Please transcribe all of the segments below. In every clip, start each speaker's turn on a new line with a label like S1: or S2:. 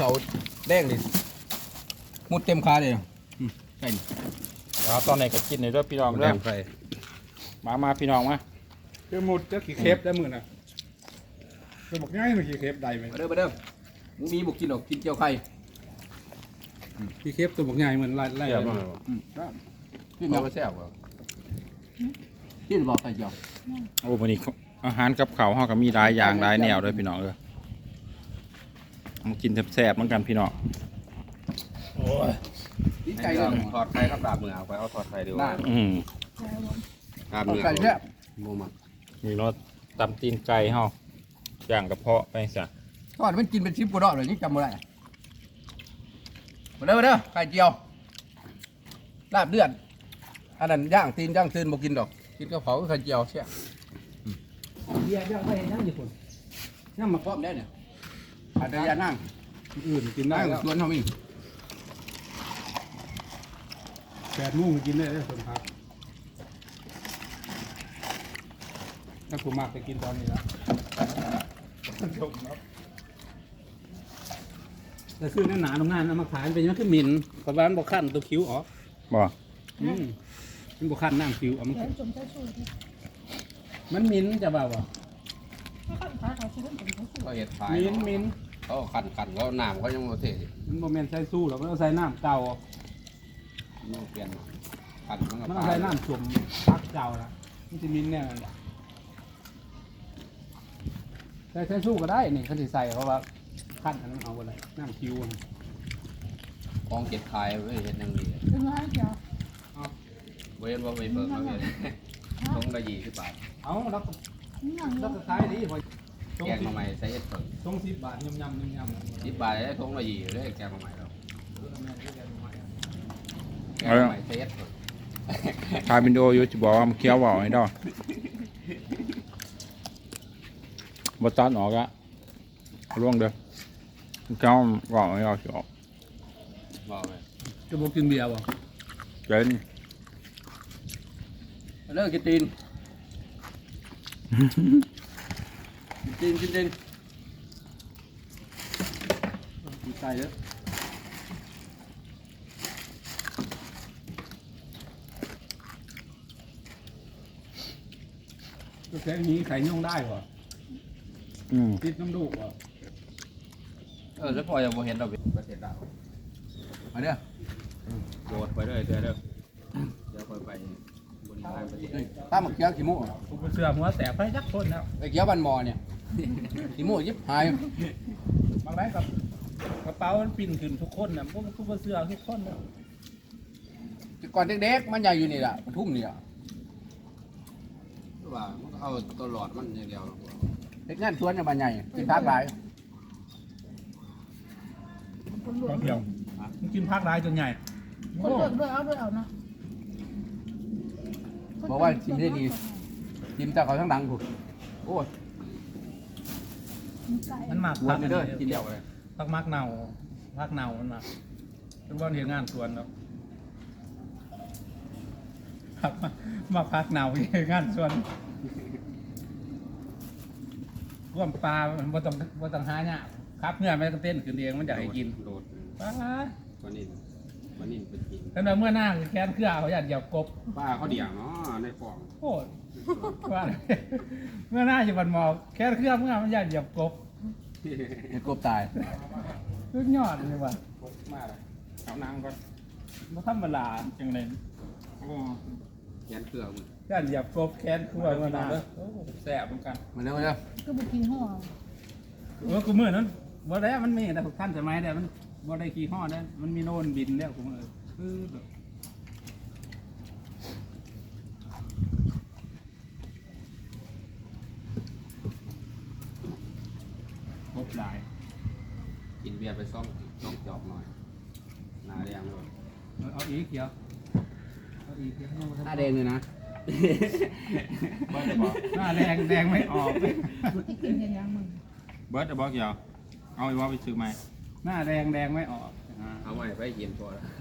S1: เขาแดงดิมุดเต็มขาเลยใช่
S2: แล้วตอนไหนก็กินในรถพี่น้อง
S1: แด
S2: เริ่
S1: ง
S2: ม
S1: ไฟ
S2: มาพี่น้องมา
S3: เจ้าหมดเจ้าขี้เคฟได้มือน่ะเจ้าบอกง่ายมันขี้เคฟได้ไหม
S1: มาเด้อมึงมีบุกกินหรอกกินเจียวไข่
S3: ขี้เคฟตัวบอกง่ายเหมือนไล่
S2: เดี๋ยวมา
S1: กินเจียวแซ่บกว่ากินบอกไข่เจียว
S2: โอ้วันนี้อาหารกับข้าวห่อกับมีหลายอย่างหลายแนวเลยพี่น้องมากินแซ่บๆเหมือนกันพี่น้อง
S1: ดีใจเลย
S4: ถอดไข่ครับดาบมือเอาไปเอาถอดไข่ดีกว่า ดาบมือ
S1: ไข่แซ่บ
S4: โมมา
S2: มีรสตำตีนไก่ห่อย่างกระเพาะไปซะ
S1: ทอดมันกินเป็นชิปกูดอกเลยนี่จำไม่ได้มาเด้อไข่เจียวลาบเลือดอันนั้นย่างตีนบอกกินดอกกินกระเพราไข่เจียวแซ่บ
S3: เบียร์ย่างไปย่างญี่ปุ่น
S1: ย่างมาพร้อมได้เนี่ยอาจจะยานั่ง
S3: อื่นกินได้
S1: นั่ง
S3: แล้ว
S1: ชวนเขามี
S3: 8 โมงกินได้แล้วส่วนพักถ้าผมมากไปกินตอนนี้แล้วจบแล้วแต่ซื้อหนาๆตรงนั้นเอามาขายเป็นยังคือหมิ่นกระบาลบอกขั้นตัวคิ้วอ๋อ
S2: บ่
S3: มันบอกขั้นนั่งคิ้วอ๋อมัน
S5: จมใช้สูตร
S3: มันหมิ่นจะเบาอ่ะ
S5: ถ้าขันขาเขาซื้อเป็นสูตร
S4: เขาเห็ดขาย
S3: หมิ่น
S4: เขาขันเขาหนามเขายังโมเทส
S3: มันโมเมนใส่สู้หรอกมันเอาใส่น้ำเก่า
S4: มันเปลี่ยนขันมัน
S3: มัน
S4: ก็
S3: เอา
S4: ตา
S3: ใส่
S4: ย
S3: น้ำสวมพักเก่าละมันจะมินเนี่ยใส่สู้ก็ได้นี่เขาจะใส่เพราะว่าขั้นอันนั้นเอาอะไรน้ำคิว
S4: กองเก็บขายไว้เห็ดยังดี
S5: ถึงร้อยเดียว
S4: เว้นว่าไปเปิดมาเห็ดต้องละ20 บาท
S3: เอาแล้วก็
S5: นี่อย่าง
S3: แล้ว
S5: เดียว
S3: ก็ขายดีพอ
S4: แกงมาใหม่ใส่เห็ดเปิด
S3: ต้อง10 บาทยำ
S4: 10 บาทได้ทงละ20เลยแกงมาใหม่เราแกง
S2: เอา
S4: มาใหม่ใส่เห็ดเปิด
S2: ถ่ายวิดีโออยู่จะบอกว่ามันเคี้ยวเบาให้ดอกบ่ตัดออกอะเอาล่วงเด้อเคี้ยวเบาให้ดอกสิออก
S4: บอกเลย
S3: จะบอกกินเบียร์บ่
S2: เกิน
S1: มาเด้อกินตีนกินตีนกินไก่เด้อ
S3: ก็แค่นี้ไข่ย่องได้บ่ ติดน้ำดูกบ่
S4: แล้วพอจะโมเห็นเราเป็นประเทศดาว
S1: มาเด้อ
S4: โดดไปเลยเดี๋ยวค่อยไปบนทางประเทศ
S1: ตามมาเกี้ยวขี้มูก
S3: กูเสือหัวแตกไปจักคนแล้ว
S1: ไอ้เกี้ยวบันมอเนี่ยขี้มูกยิบหาย
S3: บางไรกับกระเป๋ามันปิ่นขึ้นทุกคนน่ะพวกกูเสือทุกคนแล้ว
S1: ก่อนเด็กๆมันใหญ่อยู่นี่แหละปทุมนี่แหละ
S4: ว่ามันก็เอาตลอดมันอย่างเดียว
S1: เด็กงานชวนอย่างบ้านใหญ่กินทักหลาย
S5: คนหลว
S3: บาง งเดียวมันกินภาคร้ายจนใหญ่
S5: คนหลวงด้วยเอาเนาะ
S1: บอกว่าชิมได้ดีชิมแต่เขาทั้งดังถูกโอ้ย
S3: มันหมัก
S1: หัว
S3: พัก
S1: ไปเด้อกินเดียวเลย
S3: พักมักเน่าพักเน่ามันหมักเป็นวันเห็นงานสวนแล้วพักมาพักเน่าเห็นงานสวนร่วมปลาบ่ต้องหาเนี่ยครับเมื่อไม่ต้องเต้นขึ้นเองมันอยากให้กิน
S4: โดด
S3: ป้า
S4: วันนี้เป็นจริง
S3: ขณะเมื่อหน้าแค้นเครือเขาอยากเหยียบกบ
S4: ป้าเขาเดี่ยงเนาะในฟอง
S3: โคตรว่าเมื่อหน้าจะบันหมอกแค้นเครือเมื่อมันอยากเหยียบกบ
S1: เห็ดกบตาย
S3: สุดยอดเลยว่ะ
S4: มากเลยเอานางก่อน
S3: มันธรรมดาจังเลย
S4: โอ้ยันเครื่องมึง
S3: อยากเหยียบกบแค้นเครือเมื่อหน้าโอ้แสบเหมือนกัน
S1: มาเด้อมาเด้อ
S5: ก็บุกินห่อ
S3: กูมือนั้นบ่ได้มันมีแต่ท่านสมัยแต่มันบ่ได้ขี่ห้อได้มันมีโน่นบินแล้วกูมือคือแบบครบหลาย
S4: กินเบียร์ไปซ่อมจอบหน่อยนาแดงเลย
S3: เอาอีกเดียวเอาอีกเดียว
S1: หน้าแดงเลยนะ
S4: เบิร์ดจะบอก
S3: หน้าแดงไม่ออก
S5: ที่กินกันยังมึง
S2: เบิร์ดจะบอกเกี่ยวเอาไอ้ว่าไปซื้อใหม่
S3: หน้าแดงไม่ออก
S4: เอาไว้ไปเย็นพอแล้ว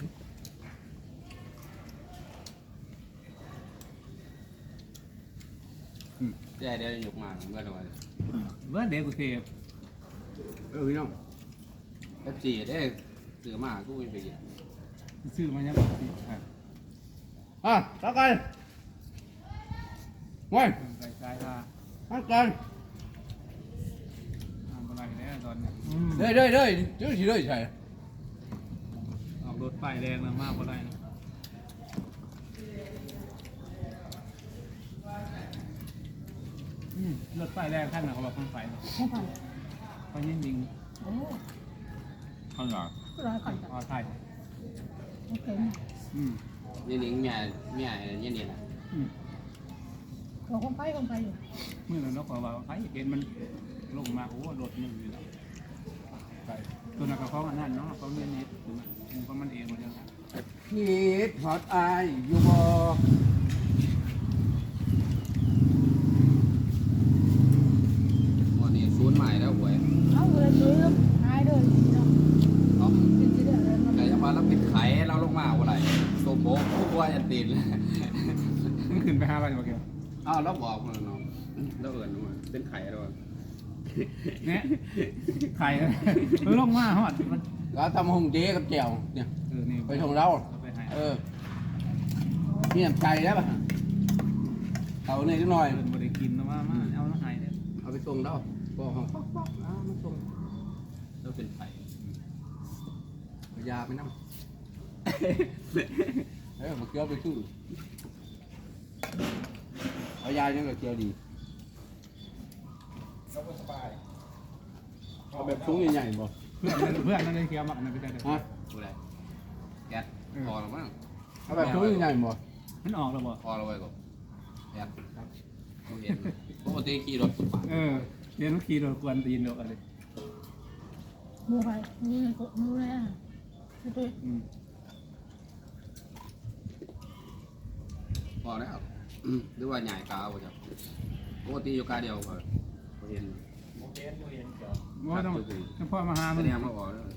S4: เดี๋ยวหยุกมาเมื่อไหร่
S3: เบิร์ดเดย์กูเทป
S1: พี่น้อง
S4: Pepsi ได้ซื้อมากูไม่ไปกิน
S3: ซื้อมายัง
S1: ต่อกันงอย
S3: ไปใช้ว่า
S1: ต่อกัน
S3: ทำอะไรแล้วตอนนี้
S1: เด้เจ้าสิเด้ใช่
S3: ออกรถป้ายแดงแล้วมากกว่าไรนะรถป้ายแดงขั้นไหนเขาบอกคนไฟ
S5: ไม่ผ่าน
S3: เขายิงยิง
S5: โอ้
S2: ข้าวเหนียว
S5: ก็ร้อยก่อนจ้ะ
S3: อ๋อไทย
S5: โอเค
S4: นี่นิ่งเมียเนี่ยนี่นะ
S5: เราคงไปอยู่
S3: เมื่อเรานกว่าไฟเห็นมันลงมาโอ้รถมันอยู่แล้วตัวนั้นเขาอันนั้นเนาะเขาเรียนนิดมันก็มันเองหมดแล้ว
S1: คิดฮอดอายอยู่บ่
S4: วันนี้ซูนย์ใหม่แล้วหวย
S5: เอาเลยเลยหายเลยเนาะ
S4: เนาะ
S5: เป็นสิเด้อแล้วมัน
S4: ไก่จะมาแล้วปิดไข่เราลงมาอะไรโซโบผู้ว่าจะตีนเลย
S3: มันขึ้นไป5 วันโอเค
S4: อ้าวเราบอกมันเนาะเราเอิญมันเป็นไข่เรา
S3: เนี่ยไข่ลงมาฮอดมัน
S1: ก็ทำหงเจ๊กับแจ่วเนี่ย
S3: นี่
S1: ไปส่งเรา
S3: ไปให้
S1: นี่น้ำใจแล้วป่ะเอาหน่อยนิดหน่อย
S3: เดินบริกินนะว่ามาเอาแล้วหายเนี่ย
S1: เอาไปส่งเราบอกเขาป๊อกมาส่ง
S4: เราเป็นไข่
S1: เอายาไปน้ำมาเกี่ยวไปชื่อเอายายังกับเกี่ยวดีเอาแบบสูงใหญ่ๆบ่
S3: เพื่อนนั่นเลยเคี้ยวมักมันไปได้เลย
S1: ฮะ
S4: กูอะไรแก๊สพอแล้วมั้ง
S1: เอาแบบสูงใหญ่ๆบ่
S3: มันออกแล้วบ่
S4: พอแล้วไว้ก่อนแก๊สกูเห็นปกติขี่รถปาด
S3: เรียนขี่รถกวนตีนดอกอะไร
S5: มือไปมือเลยอ่ะไป
S4: พอแล้วหรือว่าใหญ่กาวจ้ะปกติอยู่กาเดียวก็เห็น
S3: ว่าต้องพ่อมาหา
S4: แส
S3: มัน
S4: ดงมาออกแล้ว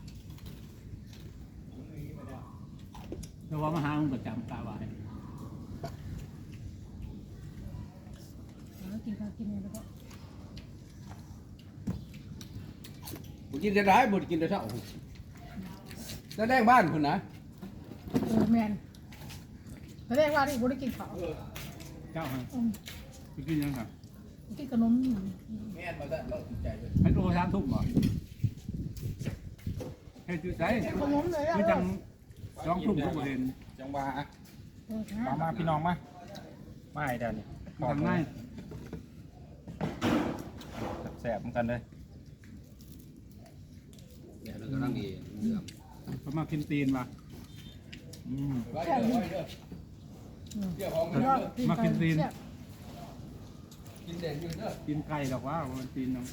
S3: แต่ว่ามาหามันประจำตาไว้
S5: แล้วกินข้าวกินเนี่ยแล้วก็
S1: บ่กินจะได้บ่กินจะเท่าจะแดงบ้านคุณนะ
S5: แมนแสดงว่าที่บุได้กินข้าว
S3: เจ้าฮะไปกินยังครับ
S5: กินขนม
S1: แม่นมาได้เราติดใจเลย
S3: ให้โต3 ทุ่มบ่ให้จุดใจ
S5: ขนมเลยอ่ะ
S3: คือจัง2 ทุ่มทุกประเด็น
S2: จังหวะมาพี่น้องมาไม่เดี๋ยวนี้
S3: ทำง่าย
S2: แสบเหมือนกันเลย
S4: เดี๋ยวเรากำลังดีเรื่อง
S3: เขามากินตีนว่ะ
S1: ไว้เด้อไว้เด้อเดี๋ยวของมันเด้อ
S3: มากินตีน
S1: กินเด่นอยู่เด้อ
S3: กินไก่ดอกว่ามันตีนเนาะ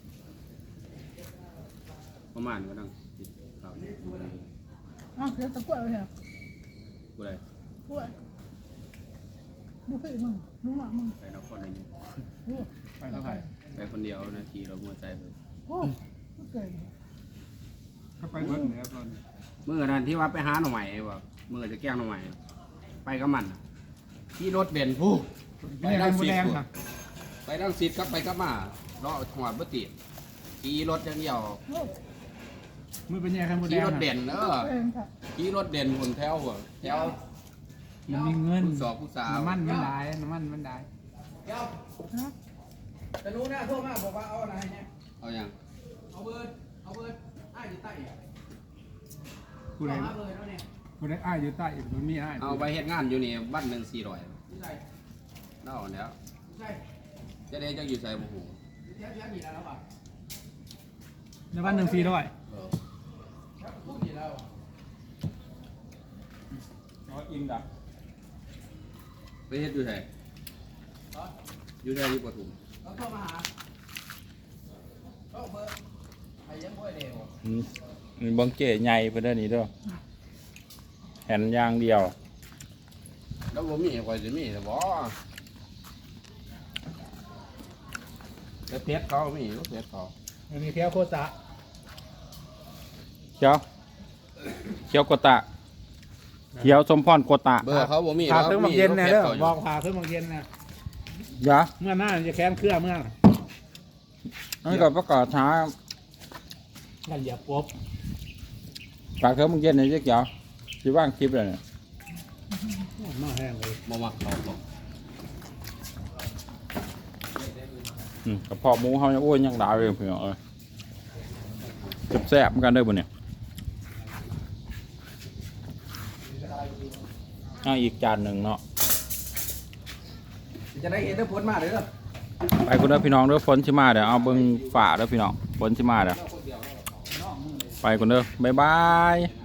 S4: ประมาณก็ต้องติดข่าว
S5: อ๋อเดี๋ยวตะกั่วเลยเหรอ
S4: กูอะไร
S5: กั่วดูพี่มึงดูหมามึง
S4: ไปนครนายก
S5: ดู
S3: ไปเท่าไหร่
S4: ไปคนเดียวนาทีเราหัวใจเลย
S5: โอ้เก่ง
S3: ก็ไปเบิ้ลเนี่ยตอน
S4: เมื่อนั้นที่ว่าไปหาหน่อใหม่ว่าเมื่อจะแกล้งหน่อใหม่ไปกับมันที่รถเบนซ์ผู้
S3: กินอะไรหมูแดงค่ะ
S4: ไปนั่งซิดกับไปกับมาเลาะหัวบ่ติดขี่รถอย่างเดียว
S5: โอ้
S3: มือเป็นยังไงหมูแด
S4: ขี่
S3: ง
S4: รถเด่นเออ
S5: เก่งค่ะ
S4: ขี่รถเด่นคนแถวหัวแถว
S3: มันมีเงิน
S4: ผู้สอบผู้สาว
S3: น้ำมันมันได้น้ำมันมันได้
S1: เดี๋ยว
S5: ฮะ
S1: จะรู้นะโทษมากบอกว่าเอาอะไรเนี่ย
S4: เอาอย่าง
S1: เอาเบิร์ดอ้ายอยู่ใต้อ่ะ
S3: ผู้ใด
S1: เอาเบิร์ดเอาเนี่ย
S3: ผู้ใดอ้ายอยู่ใต้มันมีอ้าย
S4: เอาไปเฮ็ดงานอยู่นี่บ้านหนึ่ง400
S1: ที่ใส่
S4: เล่าแล้ว
S1: ที่ใส่
S4: จะได้จังอยู่ใส่บ่ฮู้
S1: ที่แท้ๆมีแล้วป่ะ
S3: ในบ้าน1 400
S4: เออ
S1: พูดมีแล้ว
S2: อินดับ
S4: ไปเฮ็ดอยู่ไสอยู่ไสอยู่ปทุม
S1: เราโทรมาหาก็เบิร์ดใครยังบ่ได้เร็ว
S2: มีบังเกตใหญ่ไปได้นี่ด้วยแผ่นยางเดียว
S4: แล้วบ่มีข่อยสิมีแต่บ่แต่เพชรเขามีอยู่เพชรเขา
S3: มันมีเพียวโคตะ
S2: เขียวโกตะเขียวสมพรโกตะ
S4: เบอร์เขาบ่มี
S3: พาเครื่องมักเย็นนะเด้อ
S4: เพชร
S3: บ
S4: ขา
S3: อกพาเครื่องมักเย็นนะ
S2: ยะ
S3: เมื่อหน้าจะแค้นเครื่องเมื่อ
S2: นั่นก็ประกาศช้า
S3: กันเหยียบกบ
S2: ฝากเธอมึงเย็นในเจ๊เกียวจะว่างคลิปเลยเนี่ย
S3: มาแห้งเลย
S4: บ่มักเขาบอก
S2: กระเพาะหมูเขาเนี่ยโอ้ยยังดาวเลยพี่น้องเอ้ยแซ่บๆเหมือนกันเด้อบ่เนี่ยอีกจานหนึ่งเนาะ
S1: จะได้เห็นได้ผลมาเลยเด้อ
S2: ไปคนเด้อพี่น้องเด้อฝนชิมาเดี๋ยวเอาเบิ่งฝ่าเด้อพี่น้องฝนชิมาเดี๋ยวไปคนเด้อบ๊ายบาย